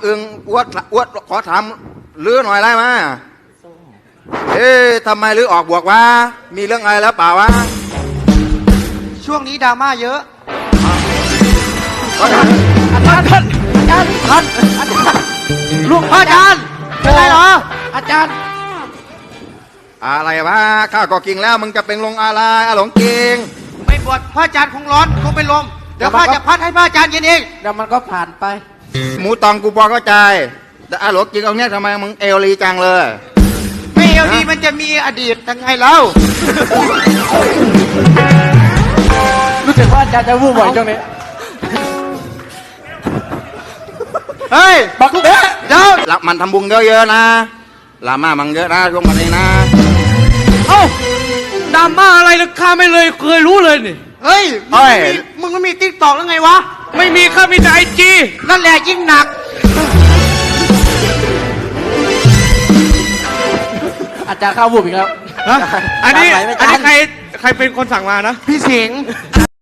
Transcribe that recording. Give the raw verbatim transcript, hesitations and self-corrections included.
อึงอวดอวดขอถามลือหน่อยได้ไหมเอ๊ะทำไมลือออกบวกวะมีเรื่องอะไรแล้วเปล่าวะช่วงนี้ดราม่าเยอะอาจารย์อาจารย์อาจารย์ท่านอาจารย์ลูกพ่ออาจารย์เป็นไรเหรออาจารย์อะไรวะข้าก็กินแล้วมึงจะเป็นลงอะไรอาหลงกิงไม่บวชพ่ออาจารย์คงร้อนคงเป็นลมเดี๋ยวพ่อจะพัดให้พ่ออาจารย์เย็นเองเดี๋ยวมันก็ผ่านไปหมูตองกูพอเข้าใจแต่อาหลงกิงเอาเนี้ยทำไมมึงเอวลีจังเลยไม่เอาดีมันจะมีอดีตยังไงเล่ารู้สึกว่าอาจารย์จะวูบบ่อยช่วงนี้เฮ้ยบักเด้อเดี๋ยวละมันทำบุญเยอะๆนะลามามังเยอะนะช่วงวันนี้นะเอ้าดราม่าอะไรนะข้าไม่เลยเคยรู้เลยนี่เฮ้ยมึงไม่มีมึงไม่มีติ๊กตอกแล้วไงวะไม่มีข้ามีแต่ไอจีนั่นแหละยิ่งหนักอาจารย์เข้าวูบอีกแล้วอันนี้อาจารย์ไหวไหมอันนี้อาจารย์ใครใครเป็นคนสั่งมานะพี่สิงห์